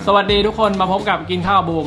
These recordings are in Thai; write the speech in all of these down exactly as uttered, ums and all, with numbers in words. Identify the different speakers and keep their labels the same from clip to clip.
Speaker 1: สวัสดีทุกคนมาพบกับกินข้าวบูม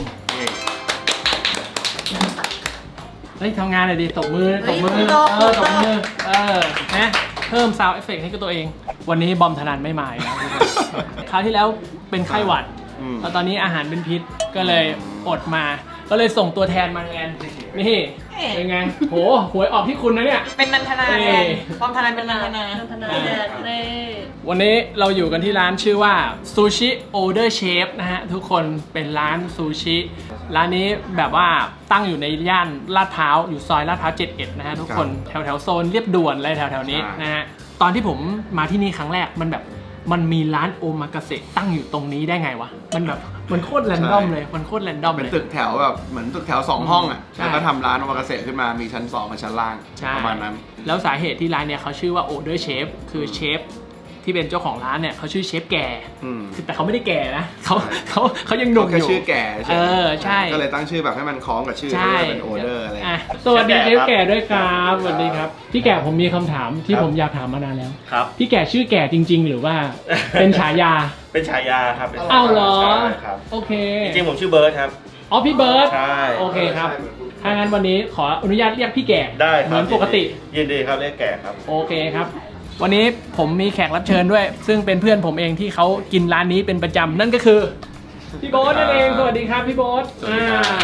Speaker 1: เฮ้ยทำงานหน่อยดิตบมือตบมือเออตบมือเออนะเพิ่มซาวด์เอฟเฟกต์ให้กับตัวเองวันนี้บอมธนันไม่มาแล้วคราวที่แล้วเป็นไข้หวัดแล้วตอนนี้อาหารเป็นพิษก็เลยอดมาก็เลยส่งตัวแทนมาแทนนี่เป็นไงโหหวยออกที่คุณนะเนี่ย
Speaker 2: เป็นนันทนาแทนบอมธนันเป็นนันทนานันทนาแทนเน่
Speaker 1: วันนี้เราอยู่กันที่ร้านชื่อว่าซูชิโอเดอร์เชฟนะฮะทุกคนเป็นร้านซูชิร้านนี้แบบว่าตั้งอยู่ในย่านลาดพร้าวอยู่ซอยลาดพร้าวเจ็ดสิบเอ็ดนะฮะทุกคนแถวแถวโซนเรียบด่วนอะไรแถวแถวนี้นะฮะตอนที่ผมมาที่นี่ครั้งแรกมันแบบมันมีร้านโอมากาเสะตั้งอยู่ตรงนี้ได้ไงวะมันแบบมันโคตรแรนดอมเลยมันโคตรแรนดอมเลย
Speaker 3: เป็นตึกแถวแบบเหมือนตึกแถวสองห้องอ่ะแล้วก็ทำร้านโอมากาเสะขึ้นมามีชั้นสองกับชั้นล่างประมาณนั้น
Speaker 1: แล้วสาเหตุที่ร้านเนี่ยเขาชื่อว่าโอเดอร์เชฟคือเชฟที่เป็นเจ้าของร้านเนี่ยเขาชื่อเชฟแก่คือแต่เขาไม่ได้แก่นะเขาเขาเขายังหนุ่มอยู่
Speaker 3: แค่ชื่อแก่
Speaker 1: เออใช่
Speaker 3: ก็เลยตั้งชื่อแบบให้มันคล้องกับชื่อเป็นโอเดอร์อะไร
Speaker 1: สวัสดีเชฟแก่ด้วยครับสวัสดีครับพี่แก่ผมมีคำถามที่ผมอยากถามมานานแล้ว
Speaker 4: ครับ
Speaker 1: พี่แก่ชื่อแก่จริงๆหรือว่าเป็นฉายา
Speaker 4: เป็นฉายาครับ
Speaker 1: อ้าวเหรอโอเค
Speaker 4: จริงๆผมชื่อเบิร์ดครับ
Speaker 1: อ๋อพี่เบิร์ด
Speaker 4: ใช่
Speaker 1: โอเคครับถ้างั้นวันนี้ขออนุญาตเรียกพี่แก่
Speaker 4: ได้
Speaker 1: เหมือนปกติ
Speaker 4: ยินดีครับเรียกแก่ครับ
Speaker 1: โอเคครับวันนี้ผมมีแขกรับเชิญด้วยซึ่งเป็นเพื่อนผมเองที่เขากินร้านนี้เป็นประจำนั่นก็คือพี่โบ๊ทนั่นเองสวัสดีครับพี่โบ๊ทอ่า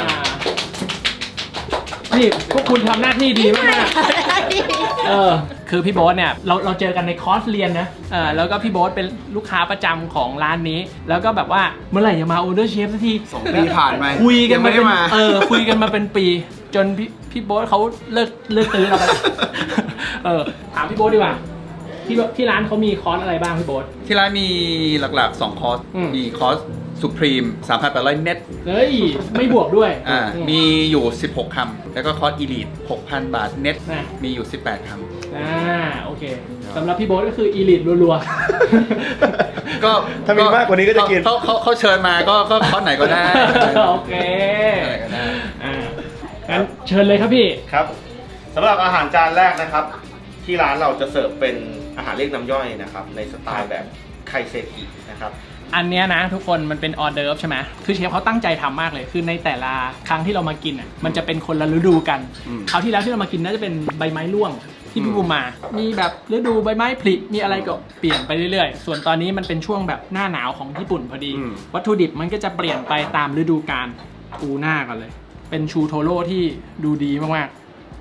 Speaker 1: นี่พวกคุณทำหน้าที่ดีมากเออคือพี่โบ๊ทเนี่ยเราเราเจอกันในคอร์สเรียนนะเออแล้วก็พี่โบ๊ทเป็นลูกค้าประจำของร้านนี้แล้วก็แบบว่าเมื่อไหร่จะมาออเดอร์เชฟสักที
Speaker 3: สองปีผ่านไป
Speaker 1: คุยกันมาเป็นเออคุยกันมาเป็นปีจนพี่พี่โบ๊ทเขาเลิกเลิกตื้อเราไปเออถามพี่โบ๊ทดีกว่าที่ที่ร้านเขามีคอร์สอะไรบ้างพี่โบ๊ท
Speaker 3: ที่ร้านมีหลักๆสองคอร์สมีคอร์สสุพรีม สามพันแปดร้อย เน็ต
Speaker 1: เฮ้ยไม่บวกด้วย
Speaker 3: อ่ามีอยู่สิบหกคำแล้วก็คอร์สอีลิท หกพัน บาทเน็ตมีอยู่สิบแปดคำ
Speaker 1: อ่าโอเคสำหรับพี่โบ๊ทก็คืออีลิทรัว
Speaker 3: ๆก็
Speaker 4: ถ้ามีมากกว่านี้ก็จะกิน
Speaker 3: เขาเขาเขาเชิญมาก็ก็คอร์สไหนก็ได้
Speaker 1: โอเคอ่างั้นเชิญเลยครับพี่
Speaker 4: ครับสำหรับอาหารจานแรกนะครับที่ร้านเราจะเสิร์ฟเป็นอาหารเรียกน้ำย่อยนะครับในสไตล์แบบไคเซกินะครับ
Speaker 1: อันเนี้ยนะทุกคนมันเป็นออเดิร์ฟใช่ไหมคือเชฟเขาตั้งใจทำมากเลยคือในแต่ละครั้งที่เรามากินอ่ะมันจะเป็นคนละฤดูกันคราวที่แล้วที่เรามากินน่าจะเป็นใบไม้ร่วงที่พี่บูมมามีแบบฤดูใบไม้ผลิมีอะไรก็เปลี่ยนไปเรื่อยๆส่วนตอนนี้มันเป็นช่วงแบบหน้าหนาวของญี่ปุ่นพอดีวัตถุดิบมันก็จะเปลี่ยนไปตามฤดูกาลปูหน้ากันเลยเป็นชูโทโร่ที่ดูดีมากๆ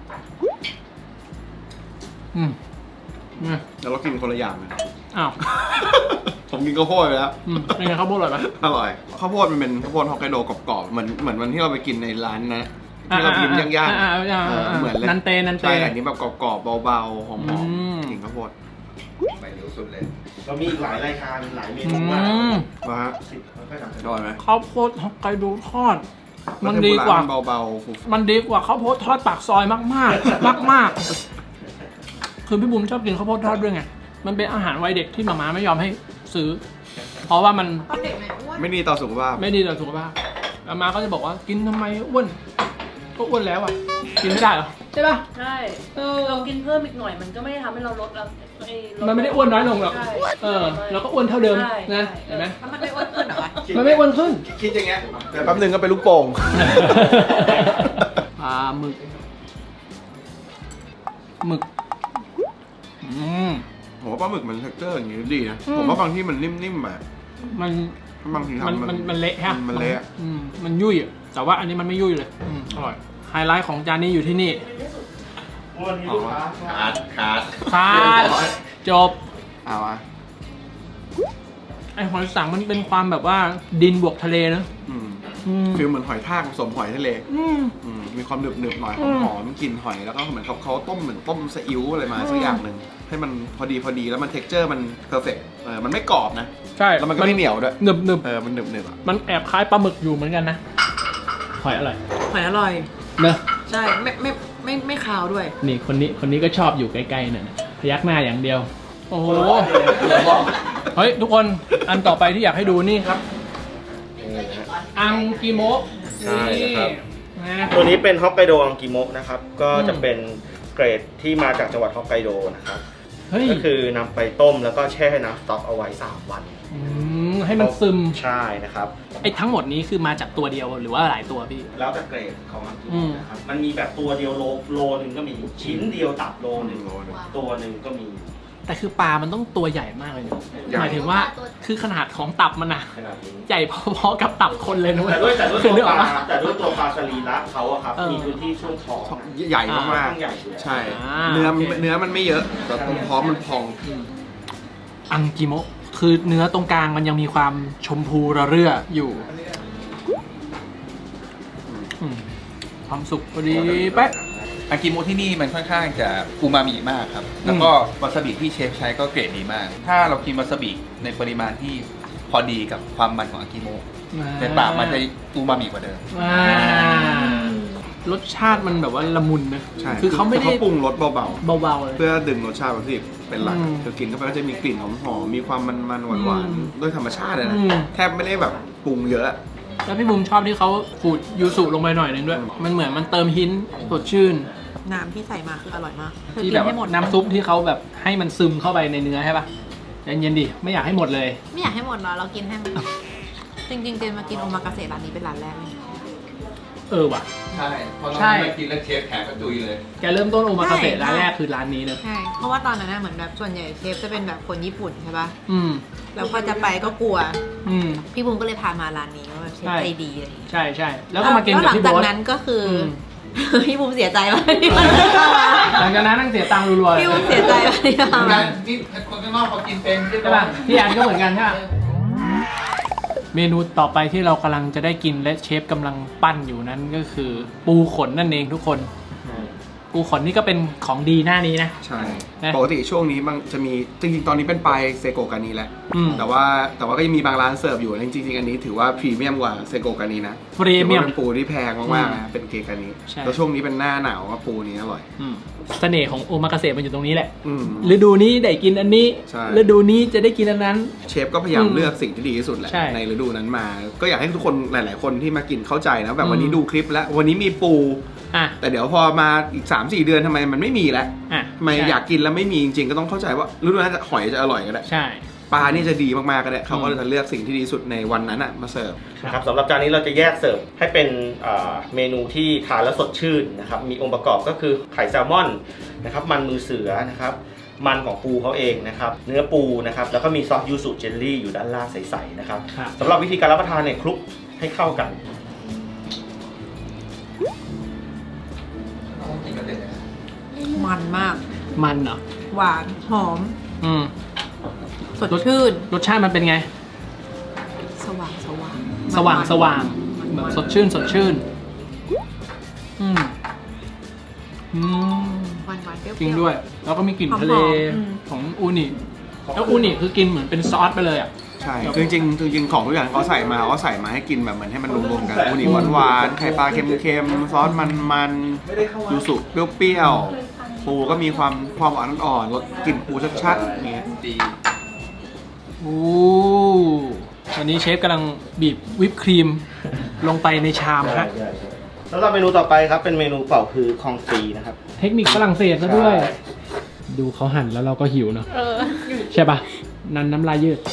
Speaker 1: อืม
Speaker 3: แล้วเรากินคนละอย่างเลย
Speaker 1: อ้าว
Speaker 3: ผมกินข้าวโพดไปแล้ว
Speaker 1: เป็นไงข้าวโพดอร่อยไหม
Speaker 3: อร่อยข้าวโพดมันเป็นข้าวโพดฮอกไกโดกรอบๆเหมือนเหมือนวันที่เราไปกินในร้านนะที่เราพิมพ์ย่าง
Speaker 1: ๆเหมือนนันเตนันเต
Speaker 3: ใช่อันนี้แบบกรอบๆเบาๆหอมๆกินข้าวโพดไปเร็วสุดเลย
Speaker 4: เรามีอีกหลายรายการหลายเมนูมาก
Speaker 3: มาฮะอร่อยไหม
Speaker 1: ข้าวโพดฮอกไกโดทอดมันดีกว่า
Speaker 3: เบาๆ
Speaker 1: มันดีกว่าข้าวโพดทอดปากซอยมากๆมากๆคือพี่บุ๋มชอบกินข้าวโพดทอดด้วยไงมันเป็นอาหารวัยเด็กที่หม่าม้าไม่ยอมให้ซื้อเพราะว่ามัน
Speaker 3: ไม่ดีต่อสุขภาพ
Speaker 1: ไม่ดีต่อสุขภาพหม่าม้าก็จะบอกว่ากินทำไมอ้วนก็อ้วนแล้วอ่ะกินไม่ได้หรอใช่ป่ะ
Speaker 2: ใช่เรากินเพิ่มอีกหน่อยมันก็ไม่ได้ทำให้เราลดเรา
Speaker 1: มันไม่ได้อ้วนน้อยลงหรอกเออเราก็อ้วนเท่าเดิมนะเห็นไหม
Speaker 2: มันไม่อ้วนขึ้นหรอ
Speaker 1: มันไม่อ้วนขึ้น
Speaker 3: คิดอย่างเงี้ยแต่แป๊บนึงก็เป็นลูกโป่ง
Speaker 1: ปลาหมึกหมึกอืม
Speaker 3: ผมว่าปลาหมึกมันเท็กเจอร์อย่างนี้ดีนะผมว่าบางที่มันนิ่มๆแบบ
Speaker 1: มัน
Speaker 3: บางทีทำ
Speaker 1: มันมันเละฮะ
Speaker 3: มันเละ
Speaker 1: อืมมันยุ่ยอ่ะแต่ว่าอันนี้มันไม่ยุ่ยเลยอืมอร่อยไฮไลท์ของจานนี้อยู่ที่นี่
Speaker 3: ขาดขาด
Speaker 1: ขาดจบ
Speaker 3: เอาอะ
Speaker 1: ไอหอยสังมันเป็นความแบบว่าดินบวกทะเลนะ
Speaker 3: ฟิลเหมือนหอยทากผสมหอยทะเลมีความหนึบหนึบหน่อยหอมกลิ่นหอยแล้วก็เหมือนเขาเขาต้มเหมือนต้มซีอิ๊วอะไรมาสักอย่างหนึ่งให้มันพอดีพอดีแล้วมันเท็กเจอร์มันเพอร์เฟกต์เออมันไม่กรอบนะ
Speaker 1: ใช่
Speaker 3: แล้วมันก็ไม่เหนียวด้วย
Speaker 1: หนึบหนึบ
Speaker 3: เออมันหนึบหนึบอ่ะ
Speaker 1: มันแอบคล้ายปลาหมึกอยู่เหมือนกันนะหอยอร่อย
Speaker 2: หอยอร่อย
Speaker 1: เนอะ
Speaker 2: ใช่ไม่ไม่ไม่ไม่คาวด้วย
Speaker 1: นี่คนนี้คนนี้ก็ชอบอยู่ใกล้ๆเนี่ยพยักหน้าอย่างเดียวโอ้โหเฮ้ยทุกคนอันต่อไปที่อยากให้ดูนี่ครับอังกิโมะ
Speaker 4: ใช่ครับตัวนี้เป็นฮอกไกโดอังกิโมะนะครับก็จะเป็นเกรดที่มาจากจังหวัดฮอกไกโดนะครับก็คือนำไปต้มแล้วก็แช่น้ำสต๊อกเอาไว้สามวัน
Speaker 1: ให้มันซึม
Speaker 4: ใช่นะครับ
Speaker 1: ไอ้ทั้งหมดนี้คือมาจากตัวเดียวหรือว่าหลายตัวพี่
Speaker 4: แล้วแต่เกรดของมัน
Speaker 1: อืม
Speaker 4: นะครับมันมีแบบตัวเดียวโลโลนึงก็มีชิ้นเดียวตับโลนึง
Speaker 3: โลนึง
Speaker 4: ตัวหนึ่งก็มี
Speaker 1: แต่คือปลามันต้องตัวใหญ่มากเลยนะ
Speaker 3: ใหญ่
Speaker 1: หมายถึงว่าคือขนาดของตับมันอะ
Speaker 4: ขนาดนี้
Speaker 1: ใหญ่พอๆกับตับคนเลยนะเว้
Speaker 4: แต่ด้วยแต่ด้วย
Speaker 1: คือ
Speaker 4: ตัว
Speaker 1: นึกอ
Speaker 4: ป
Speaker 1: อก
Speaker 4: ลา
Speaker 1: ปะ
Speaker 4: แต่ด้วยตัวปลาสรีระเขาอะครับ
Speaker 1: เออ
Speaker 4: มีพื้นที่ช่วงท้อง
Speaker 3: ใหญ่
Speaker 4: ค่อน
Speaker 3: มาก
Speaker 4: ข้างใหญ่อยู่แล้ว
Speaker 3: ๆใช่
Speaker 1: อ่า
Speaker 3: เนื้อ
Speaker 1: โอเค
Speaker 3: เนื้อมันไม่เยอะแต่ตรงท้องมันพอง
Speaker 1: อังกิโมะคือเนื้อตรงกลางมันยังมีความชมพูระเรื่ออยู่อืมความสุกพอดีเป๊ะ
Speaker 5: อากิโมะที่นี่มันค่อนข้างจะอูมามิมากครับ แล้วก็วาซาบิที่เชฟใช้ก็เกรดดีมาก ถ้าเรากินวาซาบิในปริมาณที่พอดีกับความมันของอากิโมะในปากมันจะอูมามิกว่าเดิม
Speaker 1: อ่ารสชาติมันแบบว่าละมุนนะ
Speaker 3: ใช่
Speaker 1: คือเขาไม่ได้
Speaker 3: เขาปรุงรสเบา
Speaker 1: เบาๆเลย
Speaker 3: ๆ เพื่อดึงรสชาติวัตถุดิบเป็นหลัก
Speaker 1: อืม
Speaker 3: คือกินเข้าไปก็จะมีกลิ่นหอมๆมีความมันๆหวาน
Speaker 1: อืม
Speaker 3: ๆด้วยธรรมชาติเลยนะ
Speaker 1: อืม
Speaker 3: แทบไม่ได้แบบปรุงเยอะ
Speaker 1: แล้วพี่บุ้มชอบที่เขาขูดยูสุลงไปหน่อยนึงด้วย มันเหมือนมันเติมหินสดชื่น
Speaker 2: น้ำที่ใส่มาคืออร่อยมากเธอ
Speaker 1: ที่
Speaker 2: กิ
Speaker 1: แบ
Speaker 2: น
Speaker 1: บ
Speaker 2: ให้หมด
Speaker 1: น้ำซุปที่เขาแบบให้มันซึมเข้าไปในเนื้อใช่ปะใจเย็นดิไม่อยากให้หมดเลย
Speaker 2: ไม่อยากให้หมดหรอเรากินให้มันจริงๆเจนมากินโอมากาเสะร้านนี้เป็นร้านแรกเลย
Speaker 1: เออว่ะ
Speaker 5: ใช่พอเรา
Speaker 1: ใช่
Speaker 5: มากินแล้วเชฟแขกกระจุยเลย
Speaker 1: แกเริ่มต้นโอมากาเสะ
Speaker 2: ใช่
Speaker 1: ร้านแรกคือร้านนี้เลย
Speaker 2: ใช่เพราะว่าตอนนั้นน่ะเหมือนแบบส่วนใหญ่เชฟจะเป็นแบบคนญี่ปุ่นใช่ปะ
Speaker 1: อืม
Speaker 2: แล้วพอจะไปก็กลัว
Speaker 1: อืม
Speaker 2: พี่บุ้มก็เลยพามาร้านนี้ว่าแบบเชฟ
Speaker 1: ใช่
Speaker 2: ใจดีอะไรอย่างเงี้ย
Speaker 1: ใช่ใช่แล้วก็มากิน
Speaker 2: แล้ว
Speaker 1: กับ
Speaker 2: หลัง
Speaker 1: พี่
Speaker 2: จาก
Speaker 1: โบ๊ท
Speaker 2: นั้นก็คืออ
Speaker 1: ม
Speaker 2: พี่บุ้มเสียใจมากที่มันไม่เข้ามา
Speaker 1: หลังจากนั้นนั่งเสียตังค์รัวๆ
Speaker 2: พี่บุ้มเสียใจมากที่
Speaker 5: เหมื
Speaker 2: เข้า
Speaker 5: อน
Speaker 2: มา
Speaker 5: กันนี่คนข้างนอกเขากินเป็น
Speaker 1: ใช่ป่ะพี่อันก็เหมือนกันใช่ป่ะเมนูต่อไปที่เรากำลังจะได้กินและเชฟกำลังปั้นอยู่นั้นก็คือ ปูขนนั่นเองทุกคน ปูขนนี่ก็เป็นของดีหน้านี้นะ
Speaker 3: ใช่
Speaker 1: นะ
Speaker 3: ปกติช่วงนี้บางจะมีจริงๆ ตอนนี้เป็นปลายเซโกกานีแหละ
Speaker 1: อืม
Speaker 3: แต่ว่าแต่ว่าก็ยังมีบางร้านเสิร์ฟอยู่จริงๆ อันนี้ถือว่าพรีเมียมกว่าเซโกกานีนะ
Speaker 1: พรีเมียม
Speaker 3: ถือว่าเป็นปูที่แพงมากๆนะเป็นเกกานี
Speaker 1: ใช่
Speaker 3: แล้วช่วงนี้เป็นหน้าหนาวว่าปูนี้อร่อย
Speaker 1: อืมเสน่ห์ของโอมากาเสะมันอยู่ตรงนี้แหละ
Speaker 3: อืม
Speaker 1: ฤดูนี้ได้กินอันนี้
Speaker 3: ใช่
Speaker 1: ฤดูนี้จะได้กินอันนั้น
Speaker 3: เชฟก็พยายาม
Speaker 1: อืม
Speaker 3: เลือกสิ่งที่ดีที่สุดแหละ
Speaker 1: ใช่
Speaker 3: ในฤดูนั้นมา ก็อยากให้ทุกคนหลาย ๆ คนที่มากินเข้าใจนะแบบวันนี้
Speaker 1: อืม
Speaker 3: ดูคลิปแล้ววันนี้มีปู
Speaker 1: อ่ะ
Speaker 3: แต่เดี๋ยวพอมาอีก สามสี่ เดือนทำไมมันไม่มีแล้ว
Speaker 1: อ่ะ
Speaker 3: ทำไม
Speaker 1: ใช่
Speaker 3: อยากกินแล้วไม่มีจริงๆ ก็ต้องเข้าใจว่าฤดูนั้นจะหอยจะอร่อยก็ได้
Speaker 1: ใช่
Speaker 3: ปลานี่จะดีมากๆก็ได้เขาก็
Speaker 1: อืม
Speaker 3: จะเลือกสิ่งที่ดีที่สุดในวันนั้นอะมาเสิร์ฟ
Speaker 4: นะครับสำหรับจานนี้เราจะแยกเสิร์ฟให้เป็นเอ่อเมนูที่ทานแล้วสดชื่นนะครับมีองค์ประกอบก็คือไข่แซลมอนนะครับมันมือเสือนะครับมันของปูเขาเองนะครับเนื้อปูนะครับแล้วก็มีซอสยูสุเจลลี่อยู่ด้านล่างใสๆนะครับ
Speaker 1: ครับ
Speaker 4: สำหรับวิธีการรับประทานเนี่ยคลุกให้เข้ากัน
Speaker 2: มันมาก
Speaker 1: มันเหรอ
Speaker 2: หวานหอม
Speaker 1: อืม
Speaker 2: สดชื่น
Speaker 1: รสชาติมันเป็นไง
Speaker 2: สว่างสว่าง
Speaker 1: สว่างสว่าง
Speaker 2: มัน
Speaker 1: แบบ
Speaker 2: มัน
Speaker 1: สดชื่นสดชื่น อืมอืม
Speaker 2: หวานหวานเปรี้ยวๆ
Speaker 1: จริงด้วย แล้วก็มีกลิ่น
Speaker 2: หอมๆ
Speaker 1: ทะเล
Speaker 2: อืม
Speaker 1: ของอูนิแล้วอูนิคือกินเหมือนเป็นซอสไปเลยอ่ะ
Speaker 3: ใช่คือจริงๆจริงๆของทุกอย่างเขาใส่มาเขาใส่มาให้กินแบบเหมือนให้มันรวมๆกันอูนิหวานๆไข่ปลาเค็มๆซอสมันๆยูสุเปรี้ยวๆปูก็มีความความหวานอ่อนๆรสกลิ่นปูชัดๆอย่างเงี้ย
Speaker 5: ดี
Speaker 1: โอ้ตอนนี้เชฟกำลังบีบวิปครีมลงไปในชามฮะ
Speaker 4: สำหรับเมนูต่อไปครับเป็นเมนูเป่าคือคองฟรีนะครับ
Speaker 1: เทคนิคฝรั่งเศสซะด้วย
Speaker 4: ใช่
Speaker 1: ดูเขาหั่นแล้วเราก็หิวเนาะ
Speaker 2: เออ
Speaker 1: ใช่ปะนันน้ำลายยืด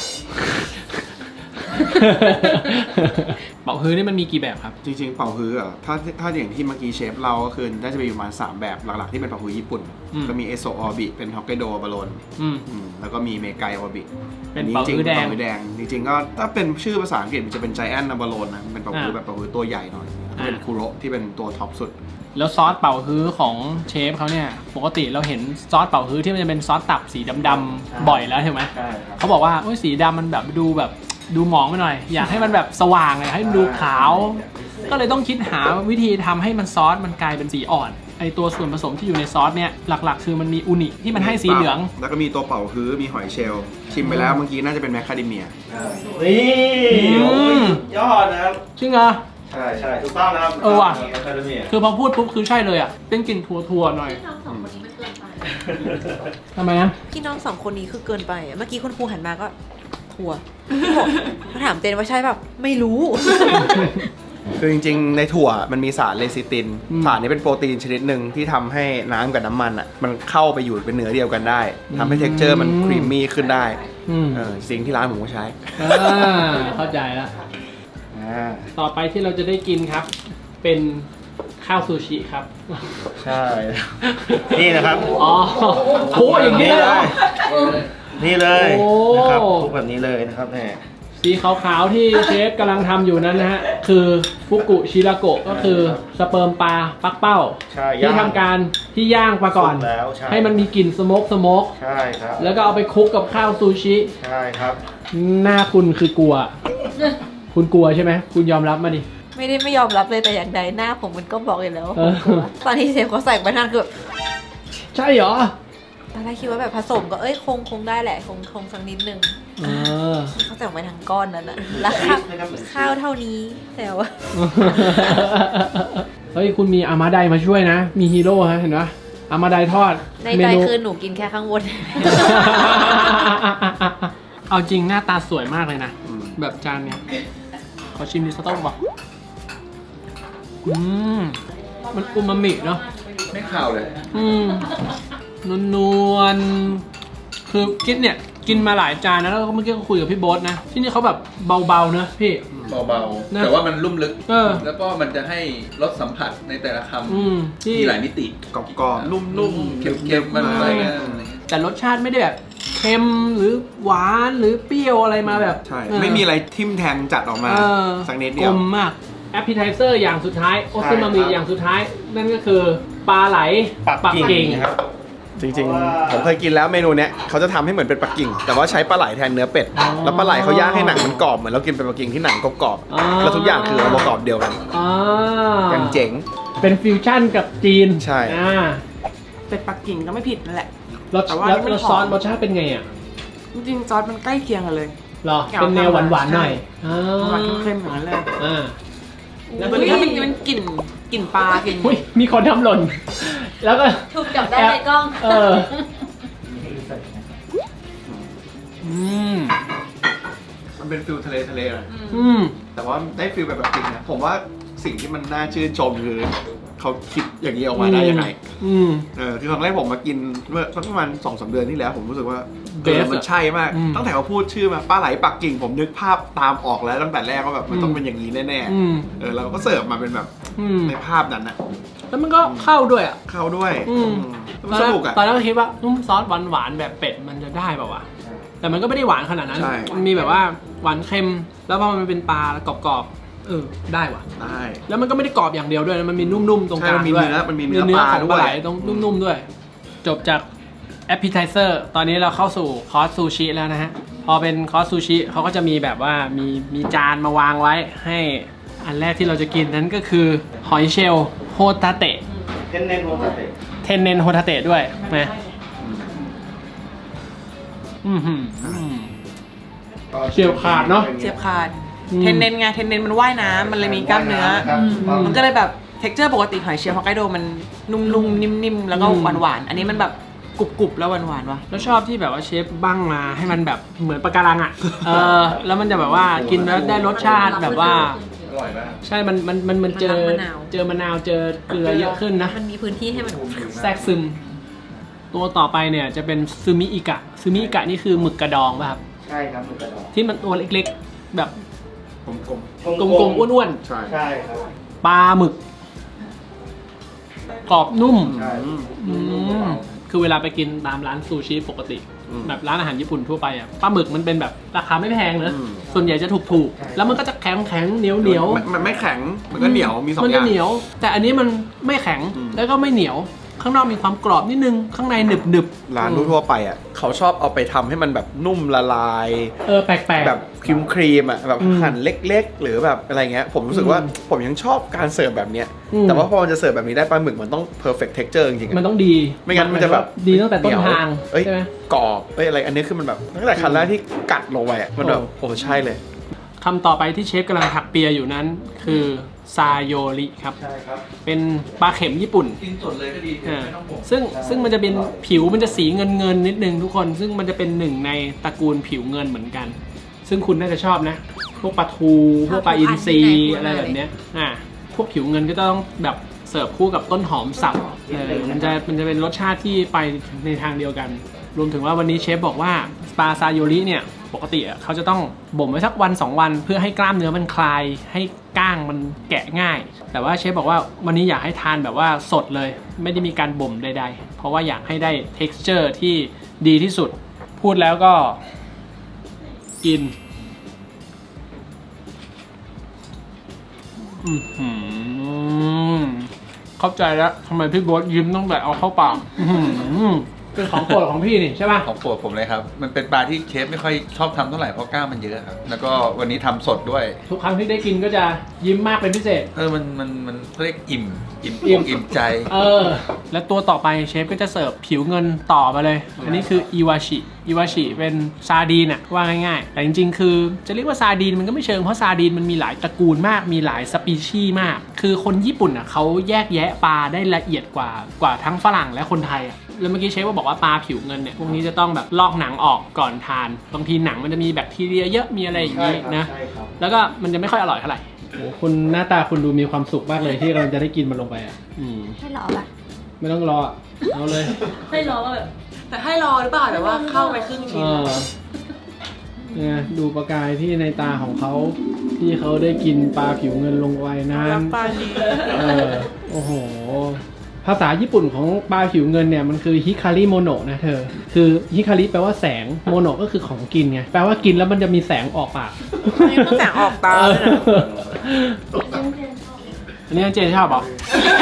Speaker 1: เป่าฮื้อนี่มันมีกี่แบบครับ
Speaker 3: จริงๆเป่าฮื้ออ่ะถ้าถ้าอย่างที่เมื่อกี้เชฟเราก็คือน่าจะมีประมาณสามแบบหลักๆที่เป็นเป่าฮื้อญี่ปุ่น
Speaker 1: อืม
Speaker 3: ก็มีเอโซออบิเป็นฮอกไกโดบาโลน
Speaker 1: อืม
Speaker 3: อืมแล้วก็มีเมกายวาบิ
Speaker 1: เป็นเป่าฮื้อแดง
Speaker 3: เป่าฮื้อแดงจริงๆก็ถ้าเป็นชื่อภาษาอังกฤษมันจะเป็นไจแอนนาบาโลนนะเป็นเป่าฮื้อ
Speaker 1: อ่า
Speaker 3: แบบเป่าฮื้อตัวใหญ่หน่อยเป็น
Speaker 1: อ่า
Speaker 3: คุโระที่เป็นตัวท็อปสุด
Speaker 1: แล้วซอสเป่าฮื้อของเชฟเขาเนี่ย ปกติเราเห็นซอสเป่าฮื้อที่มันจะเป็นซอสตับสีดำๆบ่อยแล้วใช่ไหม
Speaker 4: ใช่ครับ
Speaker 1: เขาบอกว่าโอ้ยสีดำมันแบบดูแบบดูหมองไปหน่อย อยากให้มันแบบสว่างเลยให้มันดูขาว ก็เลยต้องคิดหาวิธีทำให้มันซอสมันกลายเป็นสีอ่อนไอตัวส่วนผสมที่อยู่ในซอสเนี่ยหลักๆ คือมันมีอูนิที่มันให้สีเหลือง
Speaker 3: แล้วก็มีตัวเป่าฮื้อมีหอยเชลล์ชิมไปแล้วเมื่อกี้น่าจะเป็นแมคคาเดเมีย
Speaker 4: นี่
Speaker 1: อืม
Speaker 4: ยอดนะครับ
Speaker 1: จริงเหรอ
Speaker 4: ใช่ใช่ถูกต้องนะครับ
Speaker 1: เออว่ะ
Speaker 4: แมคคาเดเมีย
Speaker 1: คือพอพูดปุ๊บคือใช่เลยอ่ะเป็นกลิ่นถั่วๆหน่อยทำไมนะ
Speaker 2: พี่น้องสองคนนี้คือเกินไปอะเมื่อกี้คุณครูหันมาก็ทัวร์เขาถามเจนว่าใช่แบบไม่รู้
Speaker 3: คือจริงๆ ในถั่วมันมีสารเลซิติน
Speaker 1: อืม
Speaker 3: สารนี้เป็นโปรตีนชนิดหนึ่งที่ทำให้น้ำกับน้ำมันอ่ะมันเข้าไปอยู่เป็นเนื้อเดียวกันได้ทำให้
Speaker 1: อืม
Speaker 3: เท็กเจอร์มันครีมมี่ขึ้นได้
Speaker 1: อืม
Speaker 3: เออสิ่งที่ร้านผมก็ใช้
Speaker 1: อ่าเข้าใจแล้ว
Speaker 3: อ่า
Speaker 1: ต่อไปที่เราจะได้กินครับ เป็นข้าวซูชิครับ
Speaker 4: ใช่ นี่นะครับ
Speaker 1: อ๋อโอ้อย่างนี้เลยเหรอ
Speaker 4: นี่เลย
Speaker 1: โอ้
Speaker 4: นะครับคลุกแบบนี้เลยนะครับแหม
Speaker 1: สีขาวๆที่เชฟกำลังทำอยู่นั้นนะฮะ คือฟุกุชิราโกะก็คือสเปิร์มปลาปักเป้า
Speaker 4: ใช่
Speaker 1: ที่ทำการที่ย่างมาก่อน
Speaker 4: สุกแล้วใช่
Speaker 1: ให้มันมีกลิ่นสโมกสโมก
Speaker 4: ใช่ครับ
Speaker 1: แล้วก็เอาไปคลุกกับข้าวซูชิ
Speaker 4: ใช่ครับ
Speaker 1: หน้าคุณคือกลัว คุณกลัวใช่ไหมคุณยอมรับมาดิ
Speaker 2: ไม่ได้ไม่ยอมรับเลยแต่อย่างใดหน้าผมมันก็บอกอยู่แล้วว่า
Speaker 1: เอ
Speaker 2: ผม
Speaker 1: อ
Speaker 2: กลัวตอนที่เชฟเขาใส่ไปนั่นคือแบบ
Speaker 1: ใช่เหรอ
Speaker 2: ตอนแรกคิดว่าแบบผสมก็เอ้ยคงคงได้แหละคงคงสักนิดนึง
Speaker 1: เออ
Speaker 2: เขาใส่ออกไปทั้งก้อนนั้นอะแล้วข้าวข้าวเท่านี้แต่ว่า
Speaker 1: เฮ้ยคุณมีอามาไดมาช่วยนะ มีฮีโร่ฮะเห็นปะอามาไดทอด
Speaker 2: ใน
Speaker 1: เม
Speaker 2: ใจ
Speaker 1: นู
Speaker 2: คือหนูกินแค่ข้างบน
Speaker 1: เอาจริงหน้าตาสวยมากเลยนะ
Speaker 3: อืม
Speaker 1: แบบจานเนี้ย ขอชิมดิสต๊อกบอกอืม มันอูมามิเนาะ
Speaker 5: ไม่ข่าวเลย
Speaker 1: อืมนวลนวลๆคือกินเนี่ย กินมาหลายจานนะแล้วก็เมื่อกี้ก็คุยกับพี่โบ๊ทนะ ที่นี่เขาแบบเบาๆเนอะพี่
Speaker 5: เบา
Speaker 1: นะ
Speaker 5: ๆ แต่ว่ามันลุ่มลึก
Speaker 1: เออ
Speaker 5: แล้วก็มันจะให้รสสัมผัสในแต่ละค
Speaker 1: อืม
Speaker 5: ำ
Speaker 1: ที่
Speaker 5: มีหลายมิติ
Speaker 3: กรอบๆนุ่มๆ
Speaker 5: เค็มๆมันอะไรเงี้ย
Speaker 1: แต่รสชาติไม่ได้แบบเค็มหรือหวานหรือเปรี้ยวอะไรมาแบบ
Speaker 3: ใช่
Speaker 1: เออ
Speaker 3: ไม่มีอะไรทิ่มแทงจัดออกมา
Speaker 1: เออ
Speaker 3: สักนิดเดี
Speaker 1: ก
Speaker 3: ย
Speaker 1: ล
Speaker 3: ว
Speaker 1: มมากแอปเปิลไทเซอร์อย่างสุดท้ายโอซึมามิ
Speaker 4: ใช่ครับ
Speaker 1: อย่างสุดท้าย นั่นก็คือปลาไหล
Speaker 4: ปักกิ่งครับ
Speaker 3: จริงๆ ผมเคยกินแล้วเมนูเนี้ยเขาจะทำให้เหมือนเป็นปักกิ่ง แต่ว่าใช้ปลาไหลแทนเนื้อเป็ด แล้วปลาไหลเขาย่างให้หนังมันกรอบเหมือนเรากินเป็นปักกิ่งที่หนังกรอบๆแล้วทุกอย่างคือองค์ประกอบเดียวกัน
Speaker 1: อ่า
Speaker 3: อย่างเจ๋ง
Speaker 1: เป็นฟิวชั่นกับจีน
Speaker 3: ใช่
Speaker 1: อ่า
Speaker 6: เป็ดปักกิ่งก็ไม่ผิดนั่นแหละ
Speaker 1: รส
Speaker 6: แต่ว่า
Speaker 1: แล้ว
Speaker 6: มัน
Speaker 1: รส
Speaker 6: หอม
Speaker 1: ซอสรสชาติเป็นไงอ่ะ
Speaker 6: จริงๆซอสมันใกล้เคียงกันเลย
Speaker 1: หรอ
Speaker 6: เกี่ยว
Speaker 1: เป็นแนวหวานหวานๆหน่อย
Speaker 6: ใช่
Speaker 1: อ่า
Speaker 6: หวานเข้มๆอย่างนั้นเลย
Speaker 1: อ่า
Speaker 6: แล้วตัวนี้ก็มันมันกลิ่นกลิ่นปลากลิ่น
Speaker 1: อุ้ยมีคนทำหล่น แล้วก็
Speaker 2: ถูกจับได้ในกล้อง
Speaker 1: เออ อืม
Speaker 3: มันเป็นฟิลทะเลทะเลนะ
Speaker 1: อืม
Speaker 3: แต่ว่าได้ฟิลแบบแบบจริงนะผมว่าสิ่งที่มันน่าชื่นชมคือเขาคิดอย่างนี้ออกมาได้ยังไง
Speaker 1: อืม
Speaker 3: เออคือครั้งแรกผมมากินเมื่อสักประมาณสองสามเดือนที่แล้ว ผมรู้สึกว่า
Speaker 1: เบ
Speaker 3: เอ
Speaker 1: ส
Speaker 3: อมันใช่มาก
Speaker 1: อืม
Speaker 3: ตั้งแต่เขาพูดชื่อมาปลาไหลปักกิ่ง ผมนึกภาพตามออกแล้วตั้งแต่แรกว่าแบบมันต้องเป็นอย่างนี้แน่
Speaker 1: อืม
Speaker 3: ๆเออแล้วก็เสิร์ฟมาเป็นแบบ
Speaker 1: อืม
Speaker 3: ในภาพนั้นนะ
Speaker 1: แล้วมันก็เข้าด้วยอ่ะ
Speaker 3: เข้าด้วย
Speaker 1: อืม
Speaker 3: อืมมันสนุกอ่ะ
Speaker 1: ตอนแรกก็คิดว่านุ่มซอสหวานหวานๆแบบเป็ดมันจะได้ป่าวะ แต่มันก็ไม่ได้หวานขนาดนั้น
Speaker 3: ใช่
Speaker 1: มันมีแบบว่าหวานเค็ม แล้วพอมันเป็นปลากรอบๆ เออ ได้ว่ะ
Speaker 3: ได้
Speaker 1: แล้วมันก็ไม่ได้กรอบอย่างเดียวด้วยนะมันมีนุ่มๆ ตรงกลาง
Speaker 3: ใช่มันมี
Speaker 1: ด้วย
Speaker 3: เนื้อมันมีเนื้อ
Speaker 1: เนื้อ
Speaker 3: ปลา
Speaker 1: ของปลาไหล
Speaker 3: ด้วย
Speaker 1: ตรงนุ่มๆด้วย จบจาก appetizer ตอนนี้เราเข้าสู่คอร์สซูชิแล้วนะฮะ พอเป็นคอร์สซูชิเขาก็จะมีแบบว่ามีมีจานมาวางไว้ให้อันแรกที่เราจะกินนั้นก็คือหอยเชลล์โฮตาเตะ
Speaker 4: เทนเนนโฮตาเตะ
Speaker 1: เทนเนนโฮทาเตะด้วยนะอืมหืมอืม เฉียบขาดเนอะ
Speaker 6: เฉียบขาด
Speaker 1: อืม
Speaker 6: เทนเนนไงเทนเนนมันว่ายน้ำมันเลยมีกล้ามเนื้อ มันก็เลยแบบเท็กเจอร์ปกติหอยเชลล์ฮอกไกโดมันนุ่มๆนิ่มๆแล้วก็
Speaker 1: อืม
Speaker 6: หวานๆอันนี้มันแบบกรุบๆแล้วหวานๆว่ะ
Speaker 1: แล้วชอบที่แบบว่าเชฟบ้างมาให้มันแบบเหมือนปะการังอ่ะ เออ แล้วมันจะแบบว่ากินแล้วได้รสชาติแบบว่า
Speaker 5: อร่อยมาก
Speaker 1: ใช่ มัน มัน มันมันเจอ
Speaker 2: มะนาว
Speaker 1: เจอมะนาว เจอเกลือเยอะขึ้นนะ
Speaker 2: มันมีพื้นที่ให้มัน
Speaker 1: แทรกซึม ตัวต่อไปเนี่ยจะเป็นซูมิอิกะ ซูมิอิกะนี่คือหมึกกระดองป่ะครับ
Speaker 4: ใช่ครับหมึกกระดอง
Speaker 1: ที่มันตัวเล็กๆ แบบ
Speaker 3: กลม
Speaker 1: กลมๆ อ้วน
Speaker 3: ๆใช่
Speaker 4: ใช่ครับ
Speaker 1: ๆ ปลาหมึก กรอบนุ่ม
Speaker 4: ใช่
Speaker 1: อืมคือเวลาไปกินตามร้านซูชิปกติ
Speaker 3: อืม
Speaker 1: แบบร้านอาหารญี่ปุ่นทั่วไปอ่ะปลาหมึกมันเป็นแบบราคาไม่แพงนะ
Speaker 3: อืม
Speaker 1: ส่วนใหญ่จะถูกๆ แล้วมันก็จะแข็งแข็งเหนียวเหนียว
Speaker 3: มันมันไม่แข็งมันก็เหนียวมีสอง
Speaker 1: มัน
Speaker 3: อ
Speaker 1: จะ
Speaker 3: ย่าง
Speaker 1: เหนียว แต่อันนี้มันไม่แข็ง
Speaker 3: อืม
Speaker 1: แล้วก็ไม่เหนียว ข้างนอกมีความกรอบนิดนึง ข้างในหนึบหนึบ
Speaker 3: ร้านทั่วๆไปอ่ะเขาชอบเอาไปทำให้มันแบบนุ่มละลาย
Speaker 1: เออแปลกๆ
Speaker 3: แบบครีมครีมๆอ่ะแบบ
Speaker 1: อืม
Speaker 3: หั่นเล็กๆ หรือแบบอะไรเงี้ยผมรู้สึกว่า
Speaker 1: อืม
Speaker 3: ผมยังชอบการเสิร์ฟแบบเนี้ย
Speaker 1: อืม
Speaker 3: แต่ว่าพอมันจะเสิร์ฟแบบนี้ได้ปลาหมึกมันต้อง perfect texture จริงๆ
Speaker 1: มัน
Speaker 3: อะ
Speaker 1: ต้องดี
Speaker 3: ไม่งั้นมันจะแบบ
Speaker 1: ดีตั้งแต่ต้นทาง
Speaker 3: เอ้ย
Speaker 1: ใช่ไหม
Speaker 3: กรอบเอ้ยอะไรอันนี้คือมันแบบตั้งแต่คันแรกที่กัดลงไปอ่ะมันแบบ
Speaker 1: โอ้
Speaker 3: โอ้ใช่เลย
Speaker 1: คำต่อไปที่เชฟกำลังถักเปียอยู่นั้น คือซาโยริครับ
Speaker 4: ใช่ครับ
Speaker 1: เป็นปลาเข็มญี่ปุ่น
Speaker 5: กินสดเลยก็ดี
Speaker 1: อ่า
Speaker 5: ไม่ต้องห่วง
Speaker 1: ซึ่งซึ่งมันจะเป็นผิวมันจะสีเงินเงินๆนิดนึงทุกคน ซึ่งมันจะเป็นหนึ่งในตระกูลผิวเงินเหมือนกัน ซึ่งคุณน่าจะชอบนะพวกปลาทูพวกปลาอินทรีอะไรแบบเนี้ยอ่ะพวกผิวเงินก็ต้องแบบเสิร์ฟคู่กับต้นหอมสับเออมันจะมันจะเป็นรสชาติที่ไปในทางเดียวกันรวมถึงว่าวันนี้เชฟบอกว่าปลาซาโยริเนี่ยปกติเขาจะต้องบ่มไว้สักวันสองวันเพื่อให้กล้ามเนื้อมันคลายให้ก้างมันแกะง่ายแต่ว่าเชฟบอกว่าวันนี้อยากให้ทานแบบว่าสดเลยไม่ได้มีการบ่มใดๆเพราะว่าอยากให้ได้ texture ที่ดีที่สุดพูดแล้วก็กินอือหือเข้าใจแล้วทำไมพี่โบ๊ทยิ้มตั้งแต่เอาเข้าปากเป็นของโปรดของพี่นี่ใช่ป่ะ
Speaker 5: ของโปรดผมเลยครับมันเป็นปลาที่เชฟไม่ค่อยชอบทำเท่าไหร่เพราะกล้ามมันเยอะครับแล้วก็วันนี้ทำสดด้วย
Speaker 1: ทุกครั้งที่ได้กินก็จะยิ้มมากเป็นพิเศษ
Speaker 5: เออมันมันมันเรียกอิ่มอิ่ม
Speaker 1: อิ่ม
Speaker 5: อิ่มใจ
Speaker 1: เออและตัวต่อไปเชฟก็จะเสิร์ฟผิวเงินต่อมาเลยอันนี้คืออิวาชิอิวาชิเป็นซาดีนอะว่าง่ายๆแต่จริงๆคือจะเรียกว่าซาดีนมันก็ไม่เชิงเพราะซาดีนมันมีหลายตระกูลมากมีหลายสปีชีส์มากคือคนญี่ปุ่นอะเขาแยกแยะปลาได้ละเอียดกว่ากว่าทั้งฝรั่งและคนไทยอะแล้วเมื่อกี้เชฟก็บอกว่าปลาผิวเงินเนี่ยพวกนี้จะต้องแบบลอกหนังออกก่อนทานบางทีหนังมันจะมีแบคทีเรียเยอะมีอะไรอย่างนี้นะแล้วก็มันจะไม่ค่อยอร่อยเท่าไหร่โอ้คุณหน้าตาคุณดูมีความสุขมากเลยที่เราจะได้กินมันลงไปอ่ะอืม
Speaker 2: ให้รอปะ
Speaker 1: ไม่ต้องรอเอาเลย
Speaker 6: ให้รอแบบแต่ให้รอหรือเปล่าแต่ว่าเข้าไปครึ่งชิ้น
Speaker 1: เนี่ยดูประกายที่ในตาของเขาที่เขาได้กินปลาผิวเงินลงไปนั้น
Speaker 6: ปลาดี
Speaker 1: เออโอ้โหภาษาญี่ปุ่นของปลาผิวเงินเนี่ยมันคือฮิคาริโมโนะนะเธอคือฮิคาริแปลว่าแสงโมโนะก็คือของกินไงแปลว่ากินแล้วมันจะมีแสงออกปาก
Speaker 6: นี่ก็แสงออกตาเลยนะ
Speaker 1: อันนี้เจนชอบเหรอ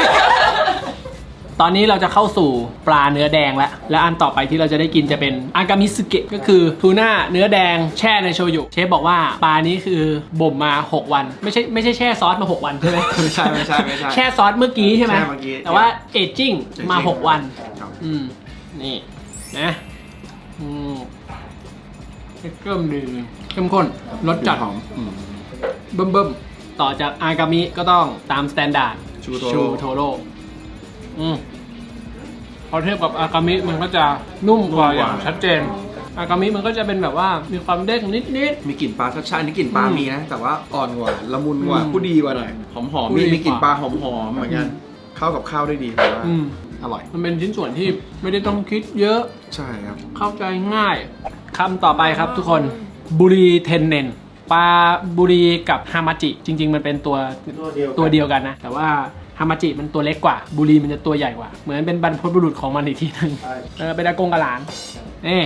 Speaker 1: ตอนนี้เราจะเข้าสู่ปลาเนื้อแดงแล้วและอันต่อไปที่เราจะได้กินจะเป็นอากามิสึเกะก็คือทูน่าเนื้อแดงแช่ในโชยุเชฟบอกว่าปลานี้คือบ่มมาหกวันไม่ใช่ไม่ใช่แช่ซอสมาหกวันใช่ไหม
Speaker 3: ไม่ใช่ไม่ใช่ไม่ใช่
Speaker 1: แช่ซอสเมื่อกี้ใช่ไหม
Speaker 3: แช่เมื่อกี้
Speaker 1: แต่ว่าเอจจิ้งมาหกวันอืมนี่นะอืมเริ่มดีเข้มข้นรสจัดหอมเบิ่มเบิ่มต่อจากอากามิก็ต้องตามสแตนดาร์ดชูโทโร่อืมพอเทียบกับอากามิมันก็จะนุ่มกว่าอย่างชัดเจนอากามิมันก็จะเป็นแบบว่ามีความเด้งนิดนิด
Speaker 3: มีกลิ่นปลาชัดๆอันนี้กลิ่นปลามีนะแต่ว่าอ่อนกว่าละมุนกว่าผู้ดีกว่าหน่อยหอมหอมมีมีกลิ่นปลาหอมหอมเหมือนกันเข้ากับข้าวได้ดีเลยว่าอร่อย
Speaker 1: มันเป็นชิ้นส่วนที่ไม่ได้ต้องคิดเยอะ
Speaker 3: ใช่ครับ
Speaker 1: เข้าใจง่ายคำต่อไปครับทุกคนบุรีเทนเนนปลาบุรีกับฮามาจิจริงๆมันเป็นตัวตัวเดียวกันนะแต่ว่าฮามาจิมันตัวเล็กกว่าบุรีมันจะตัวใหญ่กว่าเหมือนเป็นบรรพบุรุษของมันอีกทีนึงเออเป็นอากงกับหลานนี่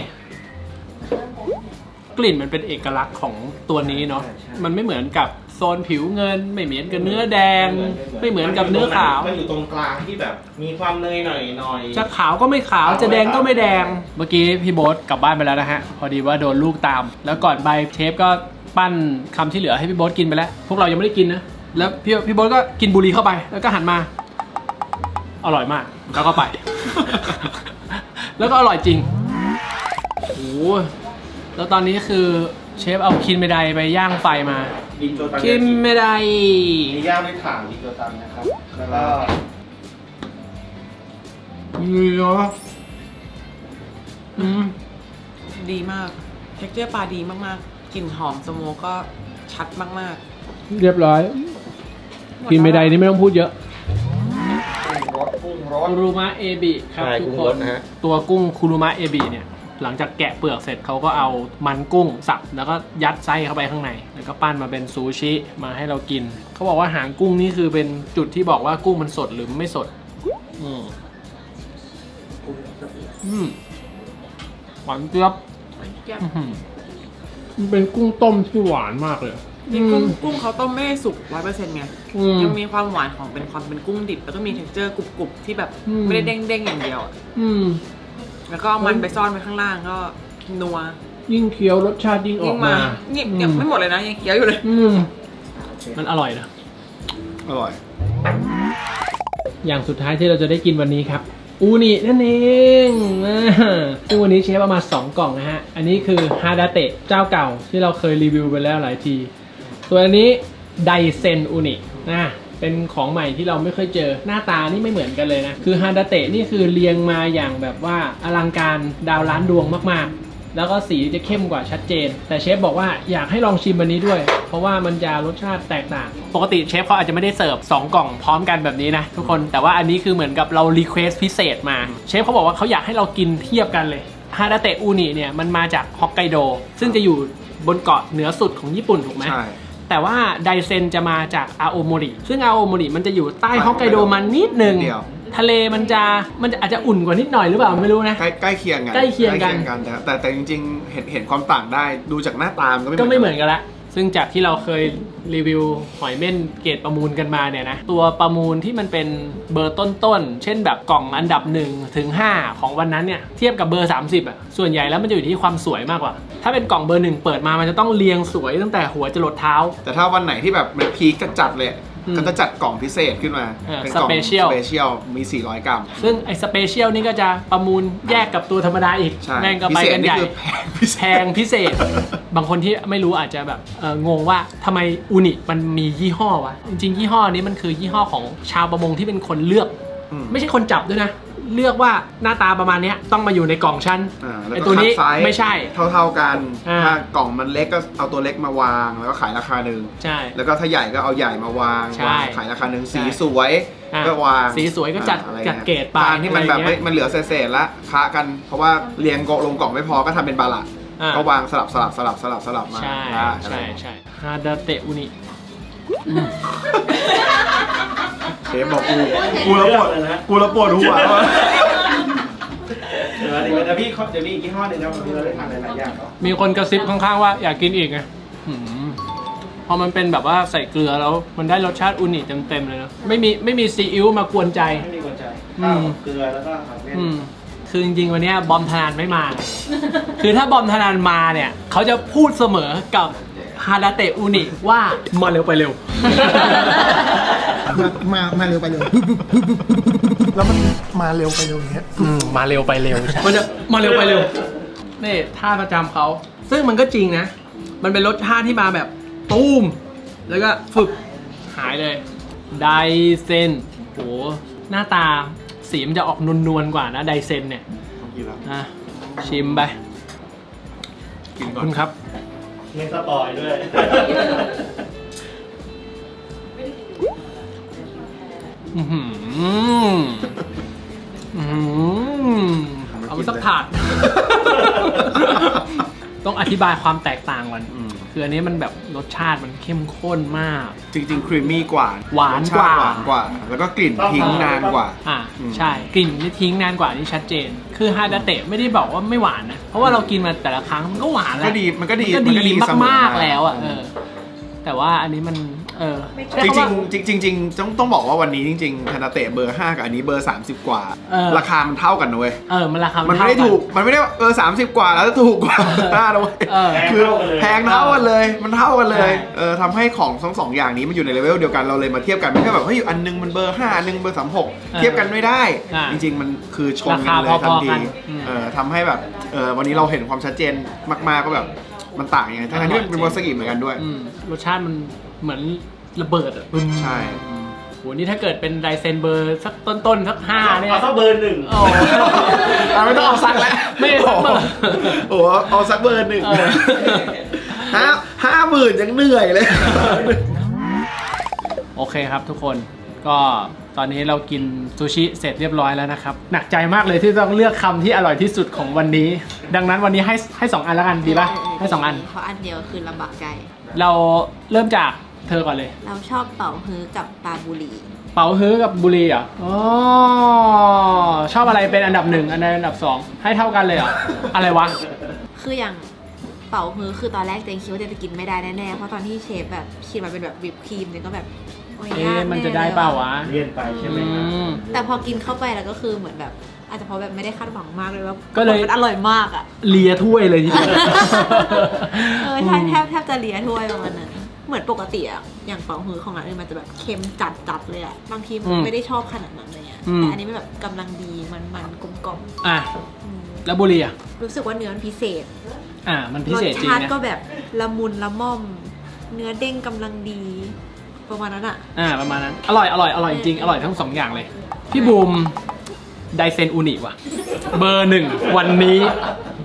Speaker 1: กลิ่นมันเป็นเอกลักษณ์ของตัวนี้เนาะมันไม่เหมือนกับโซนผิวเงินไม่เหมือนกับเนื้อแดงไม่เหมือนกับเนื้อขาว
Speaker 4: มันอยู่ตรงกลางที่แบบมีความเนยหน่อยหน่อย
Speaker 1: จะขาวก็ไม่ขาวจะแดงก็ไม่แดงเมื่อกี้พี่โบ๊ทกลับบ้านไปแล้วนะฮะพอดีว่าโดนลูกตามแล้วก่อนไปเชฟก็ปั้นคำที่เหลือให้พี่โบ๊ทกินไปแล้วพวกเรายังไม่ได้กินนะแล้วพี่พี่โบ๊ทก็กินบุหรี่เข้าไปแล้วก็หันมาอร่อยมากแล้วก็ไป แล้วก็อร่อยจริงโอ้โหแล้วตอนนี้คือเชฟเอาคินเมไดไปย่างไฟมาคินเมได
Speaker 4: มีย่างด้วยถ่านดิโจตันนะครับแล้วก็
Speaker 1: นี่เหรออืม
Speaker 6: ดีมากเท็กเจอร์ปลาดีมากๆกลิ่นหอมสโมกก็ชัดมาก
Speaker 1: ๆเรียบร้อยคินเมไดนี่ไม่ต้องพูดเยอะคุรุมะเอบิครับทุกคนตัวกุ้งคุรุมะเอบิเนี่ยหลังจากแกะเปลือกเสร็จเขาก็เอามันกุ้งสับแล้วก็ยัดไส้เข้าไปข้างในแล้วก็ปั้นมาเป็นซูชิมาให้เรากินเขาบอกว่าหางกุ้งนี่คือเป็นจุดที่บอกว่ากุ้งมันสดหรือไม่สดอืมอืมหวานเจี๊ยบมันเป็นกุ้งต้มที่หวานมากเลย
Speaker 6: นี่กุ้งกุ้งเขาต้มไม่ได้สุกร้อยเปอร์เซ็นต์ไงยังมีความหวานของเป็นความเป็นกุ้งดิบแล้วก็มีเท็กเจอร์กรุบๆที่แบบไม่ได้เด้งๆอย่างเดียว
Speaker 1: อืม
Speaker 6: แล้วก็มันไปซ่อนไว้ข้างล่างก็นัว
Speaker 1: ยิ่งเคี้ยวรสชาติยิ่งออกมา
Speaker 6: เนี่ยยังไม่หมดเลยนะยังเคี้ยวอยู่เลย
Speaker 1: อืมมันอร่อยนะ
Speaker 3: อร่อย
Speaker 1: อย่างสุดท้ายที่เราจะได้กินวันนี้ครับอูนินั่นเองซึ่งวันนี้เชฟเอามาสองกล่องนะฮะอันนี้คือฮาดาเตะเจ้าเก่าที่เราเคยรีวิวไปแล้วหลายทีส่วนอันนี้ไดเซนอูนินะเป็นของใหม่ที่เราไม่เคยเจอหน้าตานี่ไม่เหมือนกันเลยนะคือฮาดาเตะนี่คือเรียงมาอย่างแบบว่าอลังการดาวล้านดวงมากๆแล้วก็สีจะเข้มกว่าชัดเจนแต่เชฟบอกว่าอยากให้ลองชิมอันนี้ด้วยเพราะว่ามันจะรสชาติแตกต่างปกติเชฟเขาอาจจะไม่ได้เสิร์ฟสองกล่องพร้อมกันแบบนี้นะทุกคนแต่ว่าอันนี้คือเหมือนกับเรารีเควสพิเศษมาเชฟเขาบอกว่าเขาอยากให้เรากินเทียบกันเลยฮาดาเตะอูนิเนี่ยมันมาจากฮอกไกโดซึ่งจะอยู่บนเกาะเหนือสุดของญี่ปุ่นถูกไหมใช่แต่ว่าไดเซนจะมาจากอาโอโมริซึ่งอาโอโมริมันจะอยู่ใต้ฮอกไกโดมันนิดนึงทะเลมันจะมันจะอาจจะอุ่นกว่านิดหน่อยหรือเปล่าไม่รู้นะ
Speaker 3: ใกล้ใกล้เคียงกัน
Speaker 1: ใกล้เคียงกัน
Speaker 3: แต่แต่แต่จริงๆเห็นเห็นความต่างได้ดูจากหน้าตามก็ไม่
Speaker 1: ก็ไม่เหมือนกันละซึ่งจากที่เราเคยรีวิวหอยเม่นเกรดประมูลกันมาเนี่ยนะตัวประมูลที่มันเป็นเบอร์ต้นๆเช่นแบบกล่องอันดับหนึ่งถึงห้าของวันนั้นเนี่ยเทียบกับเบอร์สามสิบอ่ะส่วนใหญ่แล้วมันจะอยู่ที่ความสวยมากกว่าถ้าเป็นกล่องเบอร์หนึ่งเปิดมามันจะต้องเรียงสวยตั้งแต่หัวจรดเท้า
Speaker 3: แต่ถ้าวันไหนที่แบบมันพีคจัดเลยก็จะจัดกล่องพิเศษขึ้นมาเป็นกล่องสเปเชียลมีสี่ร้อยกรัม
Speaker 1: ซึ่งไอ้สเปเชียลนี่ก็จะประมูลแยกกับตัวธรรมดาอีกแม่งก็ไปกันใหญ่แพงพิเศษบางคนที่ไม่รู้อาจจะแบบงงว่าทำไมอูนิมันมียี่ห้อวะจริงๆยี่ห้อนี้มันคือยี่ห้อของชาวประมงที่เป็นคนเลือกไม่ใช่คนจับด้วยนะเลือกว่าหน้าตาประมาณนี้ต้องมาอยู่ในกล่องชั้นไอตัวนี้ไม่ใช่
Speaker 3: เท่าๆกันถ้ากล่องมันเล็กก็เอาตัวเล็กมาวางแล้วก็ขายราคาหนึ่งใช่แล้วก็ถ้าใหญ่ก็เอาใหญ่มาวางขายราคาหนึ่งสีสวยก็วาง
Speaker 1: สีสวยก็จัดจัดเกรดไป
Speaker 3: ที่มันแบบมันเหลือเศษๆละค้ากันเพราะว่าเรียงลงกล่องไม่พอก็ทำเป็นบาละก็วางสลับสลับสลับสลับสลับมา
Speaker 1: ใช่ใช่ใช่ฮาดาเตะอุนิ
Speaker 3: เชฟบอกกูกูระปวดกูระปวดหัว
Speaker 4: เดี๋ยวเดี๋ยวพี่เดี๋ยวมีอีกยี่ห้อหนึ่งนะวันนี้เราได้ทานหลายอย่างเนาะ
Speaker 1: มีคนกระซิบข้างๆว่าอยากกินอีกไงพอมันเป็นแบบว่าใส่เกลือแล้วมันได้รสชาติอุนิเต็มๆเลยนะไม่มีไม่มีซีอิ๊วมากวนใจ
Speaker 4: ไม่มีกวนใจข้าวเกลือแล้วก็ผักเม็ด
Speaker 1: คือจริงๆวันนี้บอมธนานไม่มาคือถ้าบอมธนานมาเนี่ยเขาจะพูดเสมอกับฮาดาเตะอูนิว่ามาเร็วไปเร็ว
Speaker 7: มามาเร็วไปเร็วแล้วมันมาเร็วไปเร็วอย่างเงี้ย
Speaker 1: มาเร็วไปเร็วมันจะมาเร็วไปเร็วนี่ท่าประจำเขาซึ่งมันก็จริงนะมันเป็นรสชาติที่มาแบบตูมแล้วก็ฝึกหายเลยไดเซนโหหน้าตาสีมันจะออกนวลๆกว่านะไดเซนเนี่ยนะชิมไป
Speaker 3: กินก่อน
Speaker 1: คุณครับ
Speaker 4: ไม่สปอยด้วย
Speaker 1: อือหืออือหือเอาไปสักถาดต้องอธิบายความแตกต่างก่อนคืออันนี้มันแบบรสชาติมันเข้มข้นมาก
Speaker 3: จริงๆครีมมี่กว่า
Speaker 1: หวานกว่า
Speaker 3: หวานกว่าแล้วก็กลิ่นทิ้งนานกว่า
Speaker 1: อ่าใช่กลิ่นนี่ทิ้งนานกว่านี่ชัดเจนคือฮาดาเตะไม่ได้บอกว่าไม่หวานนะเพราะว่าเรากินมาแต่ละครั้งมันก็หวานแล้ว
Speaker 3: ก็ดีมันก็ดี
Speaker 1: มันก็ดีมากๆแล้วอ่ะเออแต่ว่าอันนี้มันเออ
Speaker 3: จริงจริงจริงจริงต้องต้องบอกว่าวันนี้จริงๆฮาดาเตะเบอร์ห้ากับอันนี้เบอร์สามสิบกว่าราคามันเท่ากันนะเว้ย
Speaker 1: เออมันราคา
Speaker 3: มันไม่ได้ถูกมันไม่ได้เออสามสิบกว่าแล้วจะถูกกว่าห้านะเว้ยคือแพงเท่ากันเลยมันเท่ากันเลยเออทำให้ของทั้งสองอย่างนี้มันอยู่ในเลเวลเดียวกันเราเลยมาเทียบกันไม่ใช่แบบเฮ้ยอันนึงมันเบอร์ห้าอันนึงเบอร์สามหกเทียบกันไม่ได้จริงๆมันคือชนกันเลยทันทีเออทำให้แบบเออวันนี้เราเห็นความชัดเจนมากๆก็แบบมันต่างยังไงทั้งที่เป็นวาซากิเหมือนกันด้วย
Speaker 1: รสชาติมันเหมือนระเบิดอ่ะ
Speaker 3: ใช่
Speaker 1: โหนี่ถ้าเกิดเป็นไดเซนเบอร์สักต้นๆสักห้าเนี่ย
Speaker 4: เอาสักเบอร์หนึ่ง
Speaker 3: โอ้ไม่ต้องเอาสักแล้ว
Speaker 1: ไม่สักเบอร์
Speaker 3: โอ้เอาสักเบอร์หนึ่งห้าห้าหมื่นยังเหนื่อยเลย
Speaker 1: โอเคครับทุกคนก็ตอนนี้เรากินซูชิเสร็จเรียบร้อยแล้วนะครับหนักใจมากเลยที่ต้องเลือกคำที่อร่อยที่สุดของวันนี้ดังนั้นวันนี้ให้ให้สองอันแล้วกันดีป่ะให้สองอัน
Speaker 2: เพราะอันเดียวคือลำบากใจ
Speaker 1: เราเริ่มจากเธอก่อนเลย
Speaker 2: เราชอบเป๋าฮื้อกับปลาบุรี
Speaker 1: เป๋าฮื้อกับบุรีอ่ะอ๋อชอบอะไรเป็นอันดับหนึ่งอันใดอันดับสองให้เท่ากันเลยเหรออะไรวะ
Speaker 2: คืออย่างเป๋าฮื้อคือตอนแรกเจนคิดว่าจะกินไม่ได้แน่ๆเพราะตอนที่เชฟแบบคิดมาเป็นแบบวิปครีมเนี่ยก็แบบ
Speaker 1: เอ๊ะมันจะได้เปล่าวะ
Speaker 4: เลี่ยนไปใช่ไหม
Speaker 2: แต่พอกินเข้าไปแล้วก็คือเหมือนแบบอาจจะเพราะแบบไม่ได้คาดหวังมากเลยว่าก็เลยมันอร่อยมากอ่ะ
Speaker 1: เลียถ้วยเลยทีเดียว
Speaker 2: เออใช่แทบแทบจะเลียถ้วยประมาณนั้นเหมือนปกติอะอย่างเป๋าฮื้อของร้านอื่นมันจะแบบเค็มจัดจัดเลยอะบางทีมันไม่ได้ชอบขนาดนั้นเลยอะแต่อันนี้มันแบบกำลังดีมันมันกลมกล่อม
Speaker 1: อ่ะแล้วบุรีอะ
Speaker 2: รู้สึกว่าเนื้อมันพิเศษ
Speaker 1: อ่ะมันพิเศษจริงนะ
Speaker 2: รสชาติก็แบบละมุนละม่อมเนื้อเด้งกำลังดีประมาณนั้นอะ
Speaker 1: อ่ะประมาณนั้นอร่อยอร่อยอร่อยจริงอร่อยทั้งสองอย่างเลยพี่บูมไดเซนอูนิว่ะเบอร์หนึ่งวันนี้ท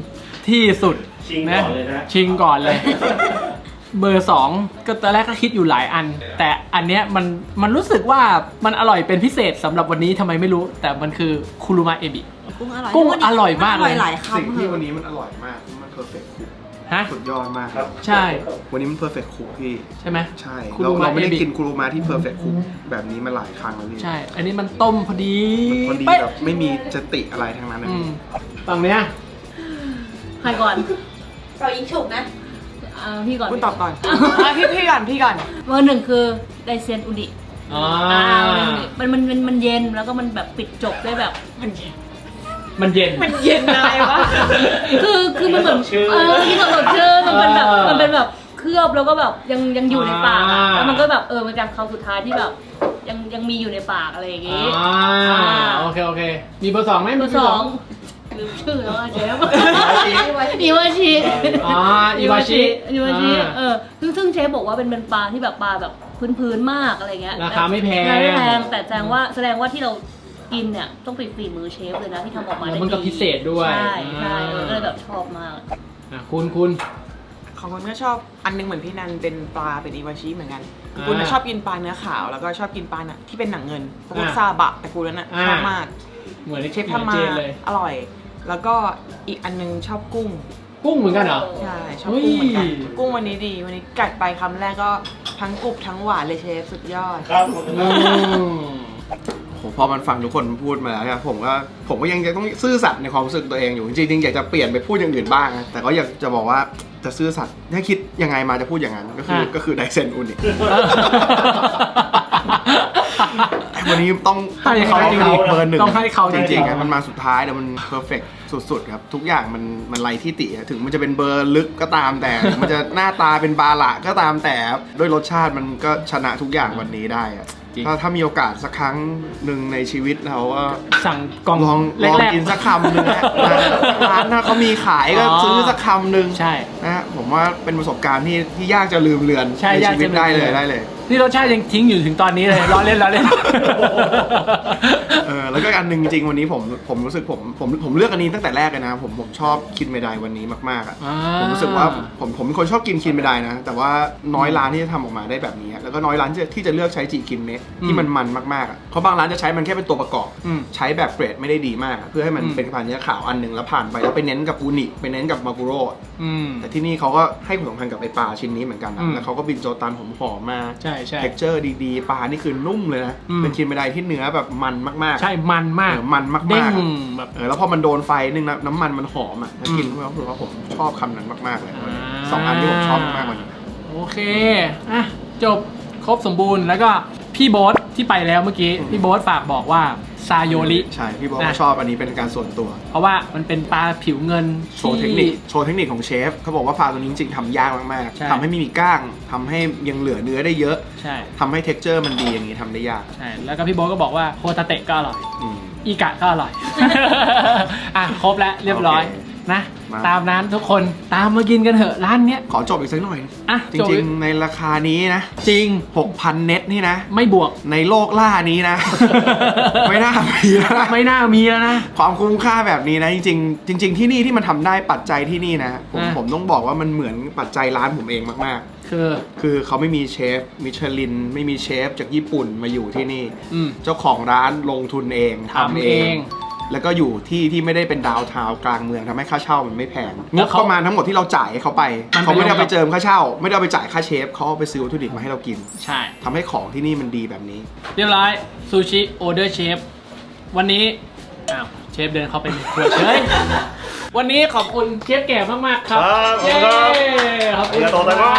Speaker 1: ที่สุด
Speaker 4: ชิงก่อนเลยนะ
Speaker 1: ชิงก่อนเลย เบอร์สองก็ตอนแรกก็คิดอยู่หลายอัน แต่อันเนี้ยมันมันรู้สึกว่ามันอร่อยเป็นพิเศษสำหรับวันนี้ทำไมไม่รู้ แต่มันคือคุรุมะเอบิ
Speaker 2: กุ้งอร่อย
Speaker 1: กุ้งอร่อยมากเลย
Speaker 2: อร่อยหลาย
Speaker 3: สิ่ง
Speaker 2: คำ
Speaker 3: ที่
Speaker 2: เห
Speaker 3: วัน
Speaker 2: อะ
Speaker 3: นี้มันอร่อยมากมันเพอร์เฟกต์คุก
Speaker 1: ฮะ
Speaker 3: สุดยอดมาก
Speaker 4: ครับ
Speaker 1: ใช่
Speaker 3: วันนี้มันเพอร์เฟกต์คุกพี่
Speaker 1: ใช่ไหม
Speaker 3: ใช่
Speaker 1: คุ
Speaker 3: เรา
Speaker 1: รุมะ
Speaker 3: เราไม่ได้
Speaker 1: เอบิ
Speaker 3: กินคุรุมะที่เพอร์เฟกต์คุกแบบนี้มาหลายครั้งแล้วพี่
Speaker 1: ใช่ อันนี้มันต้มพอดี
Speaker 3: มันพอดี
Speaker 1: เป๊ะ
Speaker 3: แบบไม่มีจะติอะไรทั้งนั้นนะ
Speaker 1: อื
Speaker 3: พี่
Speaker 1: มฝั่งเนี้ย
Speaker 8: ใครก่อน
Speaker 2: เรายิงฉุกนะ
Speaker 8: อ่าพี่ก่อน
Speaker 6: คุณตอบก่อนอ่ะพี่พี่ก่อนพี่ก่อน
Speaker 8: เบอร์หนึ่งคือไดเซียนอุดิ
Speaker 1: อ่า
Speaker 8: อ่ามันมันมันมันเย็นแล้วก็มันแบบปิดจบได้แบบ
Speaker 6: มันเย็น
Speaker 1: มันเย็น
Speaker 6: มันเย็นอะไรวะ
Speaker 8: คือคือมันเหมือน
Speaker 4: สดชื่น
Speaker 8: เออที่สดชื่นมันเป็นแบบ
Speaker 1: เออ
Speaker 8: มันเป็นแบบเคลือบแล้วก็แบบยังยังอยู่ในปากอะ
Speaker 1: อ่า
Speaker 8: แล้วมันก็แบบเออมันการคำสุดท้ายที่แบบยังยังมีอยู่ในปากอะไรอย่างงี้
Speaker 1: อ่าโอเคโอเค มีเบอร์สองไหม
Speaker 8: เบอร์สองลืมชื่อแล้วอะเชฟอีวาชิ
Speaker 1: อ๋ออีวาชิ
Speaker 8: อีวาชิ
Speaker 1: อ่า
Speaker 8: เออซึ่งซึ่งเชฟบอกว่าเป็นเป็นปลาที่แบบปลาแบบพื้นๆมากอะไรเงี้ย
Speaker 1: ราคาไม่แพง
Speaker 8: ราคาไม่แพงแต่แสดงว่าแสดงว่าที่เรากินเนี่ยต้องเป็นฝีมือเชฟเลยนะที่ทำออกมา
Speaker 1: แล้
Speaker 8: ได้
Speaker 1: วมันก็
Speaker 8: ดี
Speaker 1: พิเศษด้วย
Speaker 8: ใช่ใช่
Speaker 1: อ่า
Speaker 8: เออก็เลยแบบชอบมาก
Speaker 1: อ่ะคุณคุณ
Speaker 6: ของคนก็ชอบอันนึงเหมือนพี่นันเป็นปลาเป็นอีวาชิเหมือนกัน
Speaker 1: อ่า
Speaker 6: คุณน่ะชอบกินปลาเนื้อขาวแล้วก็ชอบกินปลาน่ะที่เป็นหนังเงินพวก
Speaker 1: อ่า
Speaker 6: ซาบะแต่กูนั้นน่ะ
Speaker 1: อ่า
Speaker 6: ชอบมาก
Speaker 1: เหมือน
Speaker 6: เชฟทำมา
Speaker 1: เจนเลย
Speaker 6: อร่อย แล้วก็อีกอันนึงชอบกุ้ง
Speaker 1: กุ้งเหมือนกันเหรอ
Speaker 6: ใช่ชอบกุ้งเหมือนกัน
Speaker 1: เฮ้ย
Speaker 6: กุ้งวันนี้ดี วันนี้กัดไปคำแรกก็ทั้งกรุบทั้งหวานเลยเชฟสุดยอด
Speaker 4: ครับ
Speaker 1: อืม
Speaker 3: โหพอมันฟังทุกคนพูดมาแล้วเนี่ยผมก็ผมก็ยังจะต้องซื่อสัตย์ในความรู้สึกตัวเองอยู่จริงๆอยากจะเปลี่ยนไปพูดอย่างอื่นบ้างนะแต่ก็อยากจะบอกว่าจะซื่อสัตย์ถ้าคิดยังไงมาจะพูดอย่างนั้นก็คือก็คือไดเซนอุนิวันนี้ต้องต้อง
Speaker 1: ให้
Speaker 3: เขา
Speaker 1: เขา
Speaker 3: จริงๆเบอร์หนึ่ง
Speaker 1: ต้องให้เขา
Speaker 3: จ
Speaker 1: จริงๆ
Speaker 3: ริงๆอะมันมาสุดท้ายแต่มันเพอร์เฟกสุดๆครับทุกอย่างมันมันไรที่ติอะถึงมันจะเป็นเบอร์ลึกก็ตามแต่ถึงมันจะหน้าตาเป็นบาละก็ตามแต่ด้วยรสชาติมันก็ชนะทุกอย่างวันนี้ได้อะ
Speaker 1: จริง
Speaker 3: ถ้าถ้ามีโอกาสสักครั้งหนึ่งในชีวิตเราก็
Speaker 1: สั่งกล่อง
Speaker 3: ลอง
Speaker 1: แร
Speaker 3: ลอง
Speaker 1: ก
Speaker 3: กินสักคำหนึ่งนะร้านถ้าเขามีขายก็
Speaker 1: อ๋อ
Speaker 3: ซื้อสักคำหนึ่ง
Speaker 1: ใช่
Speaker 3: นะฮะผมว่าเป็นประสบการณ์ที่ที่ยากจะลืมเลือน
Speaker 1: ใช่
Speaker 3: ใน
Speaker 1: ยาก
Speaker 3: ชีวิต
Speaker 1: จะลืม
Speaker 3: ได้เล
Speaker 1: เลื
Speaker 3: ย
Speaker 1: อน
Speaker 3: ได้เลย
Speaker 1: นี่รสชาติยังทิ้งอยู่ถึงตอนนี้เลยล้อเล่นล้อเล่น
Speaker 3: เออแล้วก็อันหนึ่งจริงๆวันนี้ผมผมรู้สึกผมผมผมเลือกอันนี้ตั้งแต่แรกเลยนะผมผมชอบคินเมไดวันนี้มากๆอ่ะ
Speaker 1: อ่า
Speaker 3: ผมรู้สึกว่าผมผมเป็นคนชอบกินคินเมไดนะ แต่ว่าน้อยร้านที่จะทำออกมาได้แบบนี้แล้วก็น้อยร้านที่จะที่จะเลือกใช้จิคินเมะที่มันมันมากๆอ่ะเพราะบางร้านจะใช้มันแค่เป็นตัวประกอบ
Speaker 1: อืม
Speaker 3: ใช้แบบเกรดไม่ได้ดีมากอะเพื่อให้มัน
Speaker 1: อืม
Speaker 3: เป็นผ่านเนื้อขาวอันหนึ่งแล้วผ่านไปแล้วไปเน้นกับอูนิไปเน้นกับมากุโร่
Speaker 1: อืม
Speaker 3: แต่ที่นี่เขาก็ให้ความสำคัญกับไอปลาชิ้นนี้เหมือนกันนะ
Speaker 1: อืม
Speaker 3: แล้วเขาก็บินโจตันหอมๆมา
Speaker 1: ใช่ใช่
Speaker 3: เท็กเจอร์ดีๆ ปลานี่คือนุ่มเลยนะ
Speaker 1: อืม
Speaker 3: เป็นคินเมไดที่เนื้อแบบมันมากๆ
Speaker 1: ใช่มันมาก
Speaker 3: เออมันมากๆ
Speaker 1: เด้ง
Speaker 3: อะ
Speaker 1: แบบ
Speaker 3: เออแล้วพอมันโดนไฟนึงนะน้ำมันมันหอมอ่ะถ้ากิน
Speaker 1: อืม
Speaker 3: ก็คือว่าผมชอบคำนั้นมากๆเลย
Speaker 1: อ่า
Speaker 3: สองอันที่ผมชอบมากๆวันนี้
Speaker 1: โอเค อ่ะ จบครบสมบูรณ์แล้วก็พี่โบ๊ทที่ไปแล้วเมื่อกี้ พี่โบ๊ทฝากบอกว่าซาโยริ
Speaker 3: ใช่พี่บอก
Speaker 1: นะ
Speaker 3: ว่าชอบอันนี้เป็นการส่วนตัว
Speaker 1: เพราะว่ามันเป็นปลาผิวเงิน
Speaker 3: โชว์เทคนิคโชว์เทคนิคของเชฟเขาบอกว่าปลาตัวนี้จริงๆทำยากมาก
Speaker 1: ใช่
Speaker 3: ๆทำให้ไม่มีก้างทำให้ยังเหลือเนื้อได้เยอะ
Speaker 1: ใช่
Speaker 3: ทำให้เท็กเจอร์มันดีอย่างนี้ทำได้ยาก
Speaker 1: ใช่ แล้วก็พี่โบ๊ทก็บอกว่าโฮตาเตะก็อร่อย
Speaker 3: อืม
Speaker 1: อีกะก็อร่อย อ่ะ ครบแล้วเรียบร้อย
Speaker 3: โอเค
Speaker 1: นะ
Speaker 3: มา
Speaker 1: ตามนั้นทุกคนตามมากินกันเถอะร้านเนี้ย
Speaker 3: ขอจบอีกสักหน่อย
Speaker 1: อ่ะ
Speaker 3: จ
Speaker 1: จบ
Speaker 3: ริงๆ ในราคานี้นะ
Speaker 1: จริง
Speaker 3: หกพันเน็ตนี่นะ
Speaker 1: ไม่บวก
Speaker 3: ในโลกล่านี้นะ ไม่น่ามีแล้วนะ
Speaker 1: ไม่น่ามีแล้วนะ
Speaker 3: ความคุ้มค่าแบบนี้นะจริงๆจริง ๆ ที่นี่ที่มันทำได้ปัจจัยที่นี่นะผม
Speaker 1: อ่ะ
Speaker 3: ผมต้องบอกว่ามันเหมือนปัจจัยร้านผมเองมาก
Speaker 1: คือ
Speaker 3: ๆ คือเขาไม่มีเชฟมิชลิน ไม่มีเชฟจากญี่ปุ่นมาอยู่ที่นี่
Speaker 1: อืม
Speaker 3: เจ้าของร้านลงทุนเองทำ
Speaker 1: ทำ
Speaker 3: เอ
Speaker 1: เอง ง
Speaker 3: แล้วก็อยู่ที่ที่ไม่ได้เป็นดาวน์ทาวน์กลางเมืองทำให้ค่าเช่ามันไม่แพงง
Speaker 1: แล้ว
Speaker 3: บ
Speaker 1: เขา
Speaker 3: ประมาณทั้งหมดที่เราจ่ายให้เขาไป
Speaker 1: มัน
Speaker 3: เขาไม่ได้เอา
Speaker 1: ไป
Speaker 3: ไปเจิมค่าเช่า ไม่ได้เอาไปจ่ายค่าเชฟเขาเอาไปซื้อวัตถุดิบมาให้เรากิน
Speaker 1: ใช่
Speaker 3: ทำให้ของที่นี่มันดีแบบนี้
Speaker 1: เรียบร้อยซูชิออเดอร์เชฟวันนี้อ้าวเชฟเดินเข้าไปในครัวเฉย วันนี้ขอบคุณเชฟแก่มากๆครับ
Speaker 4: ครับขอบคุณครับ
Speaker 1: เย้ขอบคุณ
Speaker 4: ありがとうございます